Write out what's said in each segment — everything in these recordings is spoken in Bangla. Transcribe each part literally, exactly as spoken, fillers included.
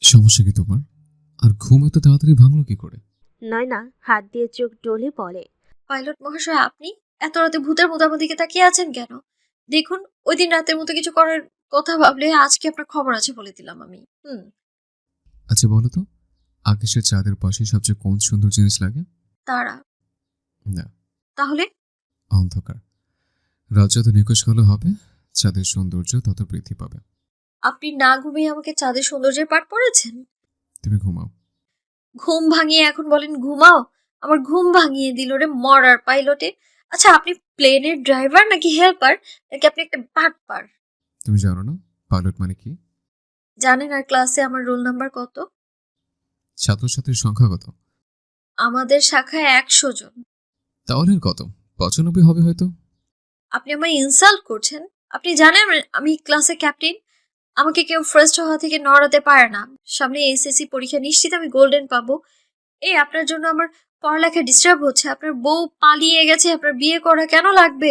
সমস্যা কি তোমার? আর ঘুম এত তাড়াতাড়ি ভাঙলো কি করে? নয়না হাত দিয়ে চোখ ডলে বলে, পাইলট মহাশয়, আপনি এত রাতে ভূতের মতো আমার দিকে তাকিয়ে আছেন কেন? দেখুন, ওই দিন রাতের মতো কিছু করার কথা ভাবলে আজকে আপনার খবর আছে বলে দিলাম আমি। হুম। আচ্ছা বলো তো, আকাশের চাঁদের পাশে সবচেয়ে কোন সুন্দর জিনিস লাগে? তারা। না, তাহলে? অন্ধকার। রাত যত নিকশ কালো হবে, চাঁদের সৌন্দর্য তত বৃদ্ধি পাবে। আপনি না ঘুমিয়ে আমাকে চাঁদের সৌন্দর্যের পাঠ পড়েছেন? তুমি ঘুমাও। ঘুম ভাঙিয়ে এখন বলেন ঘুমাও? আমার ঘুম ভাঙিয়ে দিল রে মরার পাইলটে। আচ্ছা, আপনি প্লেনের ড্রাইভার নাকি হেল্পার, নাকি আপনি একটা বাটপার? তুমি জানো না পাইলট মানে কি? জানেন আর ক্লাসে আমার রোল নাম্বার কত? ছাত্রছাত্রীর সংখ্যা কত? আমাদের শাখায় একশো জন। তাহলে আর কত? পঁচানব্বই হবে হয়তো। আপনি আমায় ইনসাল্ট করছেন? আপনি জানেন আমি- আমি ক্লাসে ক্যাপ্টেন। আমাকে কেউ ফার্স্ট হওয়া থেকে নড়াতে পারে না। সামনে এসএসসি পরীক্ষা, নিশ্চিত আমি গোল্ডেন পাবো। এই আপনার জন্য আমার পড়ালেখা ডিস্টার্ব হচ্ছে। আপনার বউ পালিয়ে গেছে, আপনার বিয়ে করা কেন লাগবে?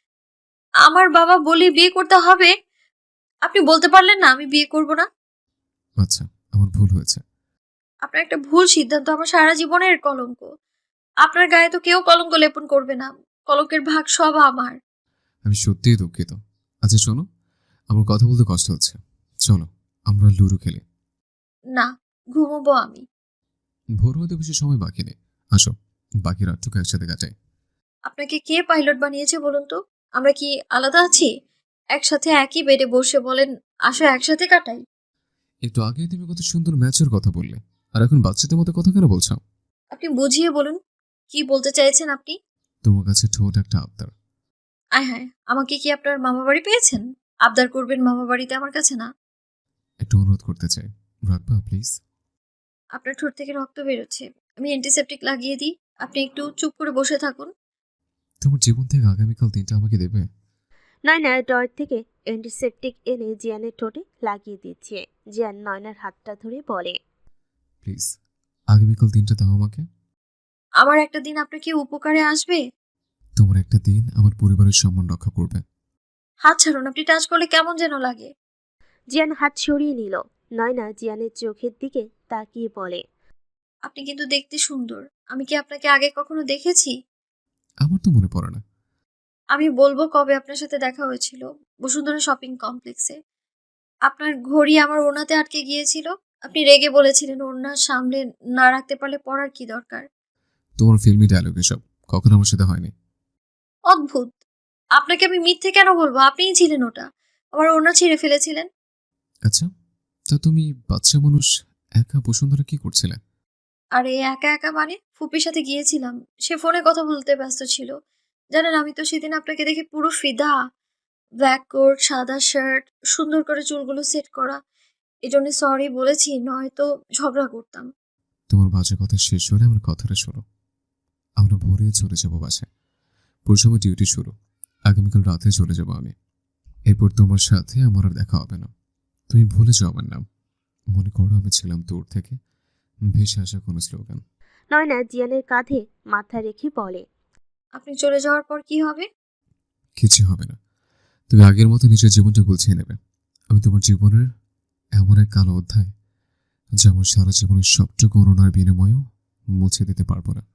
আমার বাবা বলি বিয়ে করতে হবে। আপনি বলতে পারলেন না আমি বিয়ে করব না? আচ্ছা, আমার ভুল হয়েছে। আপনার একটা ভুল সিদ্ধান্ত আমার সারা জীবনের কলঙ্ক। আপনার গায়ে তো কেউ কলঙ্ক লেপন করবে না। কলঙ্কের ভাগ সব আমার। আমি সত্যিই দুঃখিত। আচ্ছা শোনো, আমার কথা বলতে কষ্ট হচ্ছে। চলো আমরা লুডো খেলি। না, ঘুমোবো আমি। ভোর হতে বেশি সময় বাকি নেই। আসো, বাকি রাতটুকু একসাথে কাটাই। আপনাকে কে পাইলট বানিয়েছে বলুন তো? আমরা কি আলাদা আছি? একসাথে একই বেডে বসে বলেন আসো একসাথে কাটাই। একটু আগেই তুমি কত সুন্দর ম্যাচের কথা বললে, আর এখন বাচ্চাদের মতো কথা কেন বলছো? আপনি বুঝিয়ে বলুন, কি বলতে চাইছেন আপনি? তোমার কাছে ঠোঁট একটা আবদার। আয় হায়, আমাকে কি আপনার মামা বাড়ি পেয়েছেন? আবদার করবেন মামা বাড়িতে আমার কাছে না? একটু অনুরোধ করতে চাই, রাখবা প্লিজ? আপনার ঠোঁট থেকে রক্ত বেরোচ্ছে। আমি অ্যান্টিসেপটিক লাগিয়ে দিই। আপনি একটু চুপ করে বসে থাকুন। তোমার জীবন থেকে আগামীকাল দিনটা আমাকে দেবে? নয়না ডয়ের থেকে অ্যান্টিসেপটিক এনে জিয়ানের ঠোঁটে লাগিয়ে দিচ্ছে। জিয়ান নয়নার হাতটা ধরে বলে, প্লিজ, আগামীকাল দিনটা দাও আমাকে। আমার একটা দিন আপনার কি উপকারে আসবে? তোমার একটা দিন আমার পরিবারের সম্মান রক্ষা করবে। হাত ছাড়ুন, আপনি টাচ করলে কেমন যেন লাগে। জিয়ান হাত সরিয়ে নিল। নয়না জিয়ানের চোখের দিকে তাকিয়ে বলে, আপনি কিন্তু দেখতে সুন্দর। আমি কি আপনাকে আগে কখনো দেখেছি? আমার তো মনে পড়ে না। আমি বলবো কবে আপনার সাথে দেখা হয়েছিল। বসুন্ধরা শপিং কমপ্লেক্সে। আপনার ঘড়ি আমার ওড়নাতে আটকে গিয়েছিল। আপনি রেগে বলেছিলেন ওড়না সামলে না রাখতে পারলে পড়ার কি দরকার। তোমার ফিল্মি ডায়লগ এসব কখনো আমার সাথে হয়নি। অদ্ভুত। আপনাকে আমি মিথ্যে কেন বলবো? আপনিই ছিলেন ওটা। আমার ওড়না ছিঁড়ে ফেলেছিলেন। আচ্ছা, তা তুমি বাচ্চা মানুষ একা বসুন্ধরা কি করছিলে? আরে একা একা মানে ফুপির সাথে গিয়েছিলাম। সে ফোনে কথা বলতে ব্যস্ত ছিল। জানেন, আমি তো সেদিন আপনাকে দেখে পুরো ফিদা। ব্ল্যাক কোট, সাদা শার্ট, সুন্দর করে চুলগুলো সেট করা। এজন্য সরি বলেছি, নয়তো ঝগড়া করতাম। তোমার বাজে কথা শেষ হলে আমার কথাটা শোনো। আমরা ভোরে চলে যাবো বাসায়। পরশুমে ডিউটি শুরু। আগামীকাল রাতে চলে যাবো আমি। এরপর তোমার সাথে আমার আর দেখা হবে না। তুমি ভুলে যাও আমার নাম। মনে করো আমি ছিলাম দূর থেকে ভেসে আসা কোনো স্লোগান। নয়না জিয়ানের কাঁধে মাথা রেখে বলে, আপনি চলে যাওয়ার পর কি হবে? কিছু হবে না। তুমি আগের মতো নিজের জীবনটা গুছিয়ে নেবে। আমি তোমার জীবনের এমন এক কালো অধ্যায় যা আমার সারা জীবনের সবটুকু করুণার বিনিময়েও মুছে দিতে পারবো না।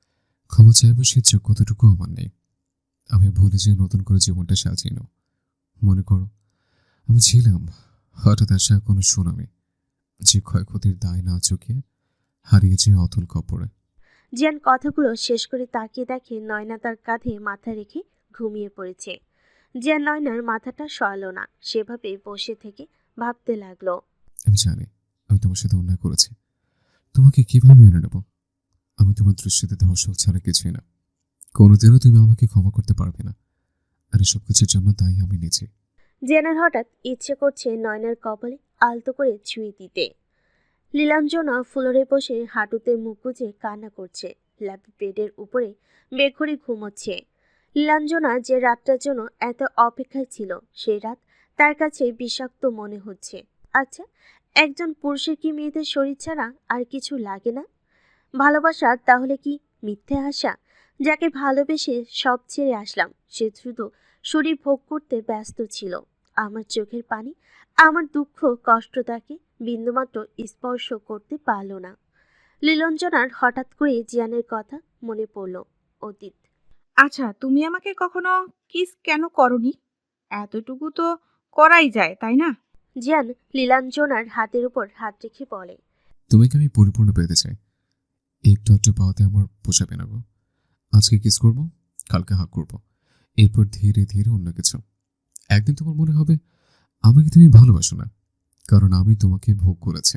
ক্ষমা চাইবো সে যোগ্যতাটুকু আমার নেই। আমি ভুলে যেয়ে নতুন করে জীবনটা সাজিয়ে নাও। মনে করো আমি ছিলাম হঠাৎ আসা কোনো সুনামি, যে ক্ষয়ক্ষতির দায় না চুকিয়ে হারিয়ে যেয়ে অতল কপরে। জিয়ান কথাগুলো শেষ করে তাকিয়ে দেখে নয়না তার কাঁধে মাথা রেখে ঘুমিয়ে পড়েছে। জিয়ান নয়নার মাথাটা সরালো না, সেভাবে বসে থেকে ভাবতে লাগলো। আমি জানি আমি তোমার সাথে অন্যায় করেছি। তোমাকে কিভাবে মেনে নেব? আমি তোমার দৃষ্টিতে ধর্ষক ছাড়া কিছুই না। কোনোদিনও তুমি আমাকে ক্ষমা করতে পারবে না। আর এসব কিছুর জন্য দায়ী আমি নিজে। জিয়ানের হঠাৎ ইচ্ছে করছে নয়নার কপালে আলতো করে ছুঁয়ে দিতে। লীলাঞ্জনা ফ্লোরে বসে হাঁটুতে মুখ গুজে কান্না করছে। ল্যাপ বেডের উপরে বেঘরে ঘুমোচ্ছে। লীলাঞ্জনা যে রাতটার জন্য এত অপেক্ষায় ছিল, সেই রাত তার কাছে বিষাক্ত মনে হচ্ছে। আচ্ছা, একজন পুরুষের কি মেয়েদের শরীর ছাড়া আর কিছু লাগে না? ভালোবাসা তাহলে কি মিথ্যে আশা? যাকে ভালোবেসে সব ছেড়ে আসলাম, সে দ্রুত শরীর ভোগ করতে ব্যস্ত ছিল। আমার চোখের পানি, আমার দুঃখ কষ্ট তাকে বিন্দুমাত্র স্পর্শ করতে পারল না। লীলঞ্জনার হঠাৎ করে জিয়ানের কথা মনে পড়ল। অতীত। আচ্ছা, তুমি আমাকে কখনো কিস কেন করনি? এতটুকু তো করাই যায়, তাই না? জিয়ান লীলাঞ্জনার হাতের উপর হাত রেখে বলে, তোমাকে আমি পরিপূর্ণ পেতে চাই। একটু একটু পাওয়াতে আমার পোষাবে না গো। আজকে কিস করব, কালকে হাক করব, এরপর ধীরে ধীরে অন্য কিছু। একদিন তোমার মনে হবে আমাকে তুমি ভালোবাসো না, কারণ আমি তোমাকে ভোগ করেছি।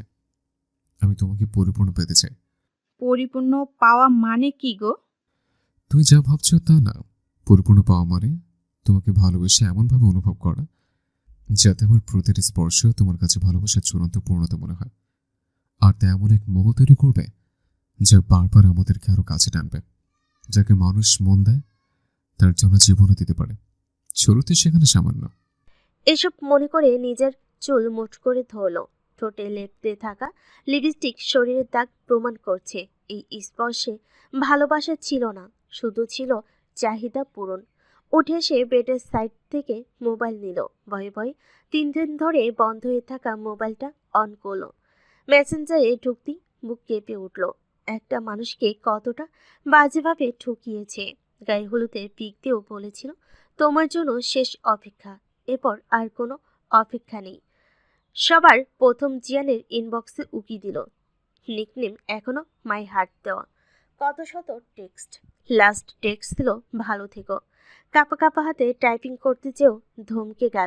আমি তোমাকে পরিপূর্ণ পেতে চাই। পরিপূর্ণ পাওয়া মানে কি গো? তুমি যা ভাবছো তা না। পরিপূর্ণ পাওয়া মানে তোমাকে ভালোবেসে এমনভাবে অনুভব করা যাতে আমার প্রতিটি স্পর্শ তোমার কাছে ভালোবাসার চূড়ান্ত পূর্ণতা মনে হয়। আর তা এমন এক মোহ তৈরি করবে যা বারবার আমাদেরকে আরো কাছে টানবে। যাকে মানুষ মন দেয় তার জন্য জীবনও দিতে পারে। শুরুতে সেখানে সামান্য। এসব মনে করে নিজের চুল মুঠ করে ধরল। ঠোঁটে লেপতে থাকা লিপস্টিক শরীরের দাগ প্রমাণ করছে এই স্পর্শে ভালোবাসা ছিল না, শুধু ছিল চাহিদা পূরণ। উঠে সে বেডের সাইড থেকে মোবাইল নিল। ভয়ে ভয়ে তিন দিন ধরে বন্ধ হয়ে থাকা মোবাইলটা অন করলো। মেসেঞ্জারে ঢুকতেই বুক কেঁপে উঠল। একটা মানুষকে কতটা বাজেভাবে ঠকিয়েছে। গায়ে হলুদের পিক দিয়েও বলেছিল তোমার জন্য শেষ অপেক্ষা, এরপর আর কোনো অপেক্ষা নেই। সবার প্রথম জিয়ানের ইনবক্সে উকি দিল। নিকনেম এখনো মাই হার্ট দেওয়া। কত শত টেক্সট। লাস্ট টেক্সট ছিল ভালো থেকো। কাপা কাপা হাতে টাইপিং করতে চেয়েও ধমকে গেল।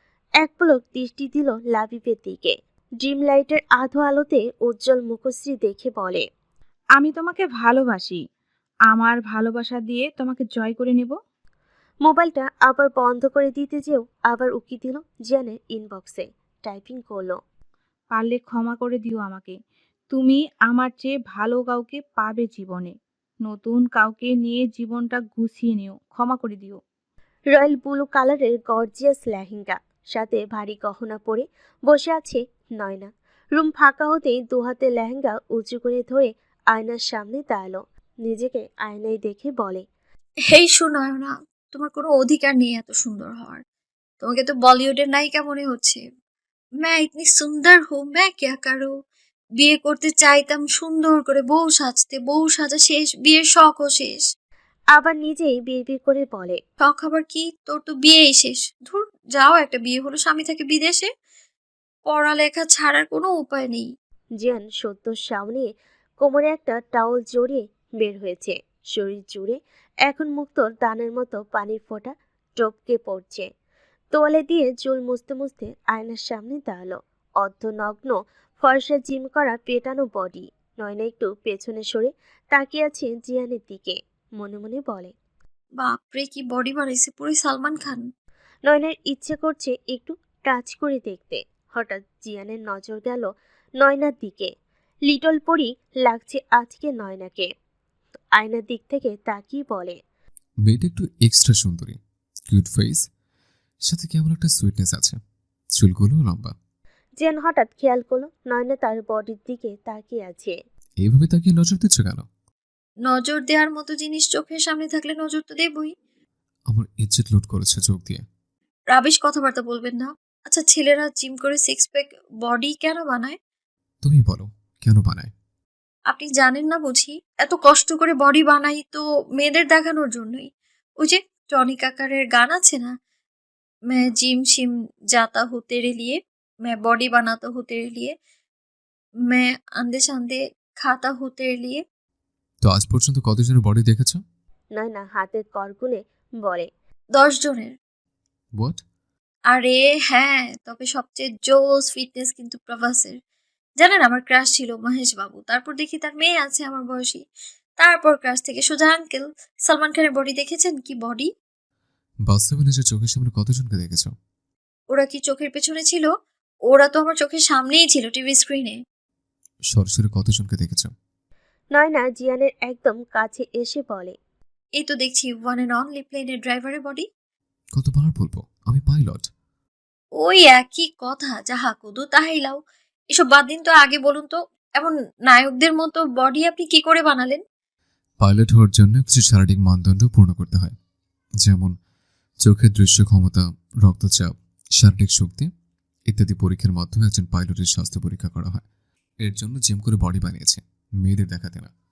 এক পলক দৃষ্টি দিল লাবিবের দিকে। ড্রিম লাইটের আধো আলোতে উজ্জ্বল মুখশ্রী দেখে বলে, আমি তোমাকে ভালোবাসি। আমার ভালোবাসা দিয়ে তোমাকে জয় করে নেব। মোবাইলটা আবার বন্ধ করে দিতে যেও আবার উকি দিল জিয়ানের ইনবক্সে। টাইপিং করলো, পারলে ক্ষমা করে দিও আমাকে। তুমি আমার চেয়ে ভালো কাউকে পাবে জীবনে। নতুন কাউকে নিয়ে জীবনটা গুছিয়ে নিও। ক্ষমা করে দিও। রয়্যাল ব্লু কালারের গর্জিয়াস লেহেঙ্গা, সাথে ভারী গহনা পরে বসে আছে নয়না। রুম ফাঁকা হতেই দুহাতে লেহেঙ্গা উঁচু করে ধরে আয়নার সামনে দাঁড়ালো। নিজেকে আয়নায় দেখে বলে, হেই সুনয়না, তোমার কোনো অধিকার নেই এত সুন্দর হওয়ার। তোমাকে তো বলিউডের নায়িকা মনে হচ্ছে। मैं इतनी सुंदर हूँ, मैं क्या करूँ? বিয়ে করতে চাইতাম সুন্দর করে বউ সাজতে, বউ সাজা শেষ, বিয়ের শখও শেষ। আবার নিজেই বিড়বিড় করে বলে, শখ আবার কি? তোর তো বিয়েই শেষ। ধুর, যাও, একটা বিয়ে হলো, স্বামী থাকে বিদেশে। পড়ালেখা ছাড়ার কোনো উপায় নেই। জিয়ান সদ্য সামনে কোমরে একটা টাওয়াল জড়িয়ে বের হয়েছে। শরীর জুড়ে এখন মুক্তোর দানের মতো পানির ফোঁটা টপকে পড়ছে। তোয়ালে দিয়ে চুল মুছতে মুছতে আয়নার সামনে দাঁড়ালো। অর্ধনগ্ন ফর্সা জিম করা পেটানো বডি। নয়না একটু পেছনে সরে তাকিয়ে আছে জিয়ানের দিকে। মনে মনে বলে, বাপরে, কি বডি বানাইছে, পুরো সালমান খান। নয়নার ইচ্ছে করছে একটু টাচ করে দেখতে। হঠাৎ জিয়ানের নজর গেল নয়নার দিকে। লিটল পরি লাগছে আজকে নয়নাকে। আয়নার দিক থেকে তাকিয়ে বলে, মেয়েটা একটু এক্সট্রা সুন্দরী, কিউট ফেস, সাথে কেমন একটা সুইটনেস আছে। চুলগুলো লম্বা। জিয়ান হঠাৎ খেয়াল করলো নয়না তার বডির দিকে তাকিয়ে আছে। এইভাবে তাকিয়ে নজর দিচ্ছ কেন? নজর দেওয়ার মতো জিনিস চোখের সামনে থাকলে নজর তো দেবই। আমার ইজ্জত লুট করেছে চোখ দিয়ে। রাবিশ কথাবার্তা বলবেন না। আচ্ছা, ছেলেরা জিম করে সিক্স প্যাক বডি কেন বানায়? তুমি বলো, কেন বানায়? আপনি জানেন না বুঝি? এত কষ্ট করে বডি বানাই তো মেয়েদের দেখানোর জন্যই। ওই যে টনি কাকারের গান আছে না, मैं जिम शिम जाता हूँ तेरे लिए, मैं बॉडी बनाता हूँ तेरे लिए, मैं अंधे शांधे खाता हूँ तेरे लिए। তো আজ পর্যন্ত কতজনের বডি দেখেছ? নয়না হাতের করগুনে বলে, দশ জনের। হোয়াট? আরে হ্যাঁ, তবে সবচেয়ে জোস ফিটনেস কিন্তু প্রভাসের। জানেন, আমার ক্রাশ ছিল মহেশ বাবু, তারপর দেখি তার মেয়ে আছে আমার বয়সী, তারপর ক্রাশ থেকে সোজা আঙ্কেল। সালমান খানের বডি দেখেছেন? কি বডি! বাস্তবে নিজের চোখের সামনে কতজনকে দেখেছ? ওরা কি চোখের পেছনে ছিল? ওরা তো আমার চোখের সামনেই ছিল, টিভি স্ক্রিনে। সরাসরি কতজনকে দেখেছ? নয়না জিয়ানের একদম কাছে এসে বলে, এই তো দেখছি ওয়ান অ্যান্ড অনলি প্লেনের ড্রাইভারের বডি। কতবার বলবো আমি পাইলট? ওই একই কথা, যাহা কুদু তাহাই লাও। এসব বাদ দিন তো, আগে বলুন তো এমন নায়কদের মতো বডি আপনি কি করে বানালেন? পাইলট হওয়ার জন্য কিছু শারীরিক মানদণ্ড পূর্ণ করতে হয়, যেমন চোখের দৃশ্য ক্ষমতা, রক্তচাপ, শারীরিক শক্তি ইত্যাদি পরীক্ষার মাধ্যমে একজন পাইলটের স্বাস্থ্য পরীক্ষা করা হয়। এর জন্য জিম করে বডি বানিয়েছে, মেয়েদের দেখাতে না।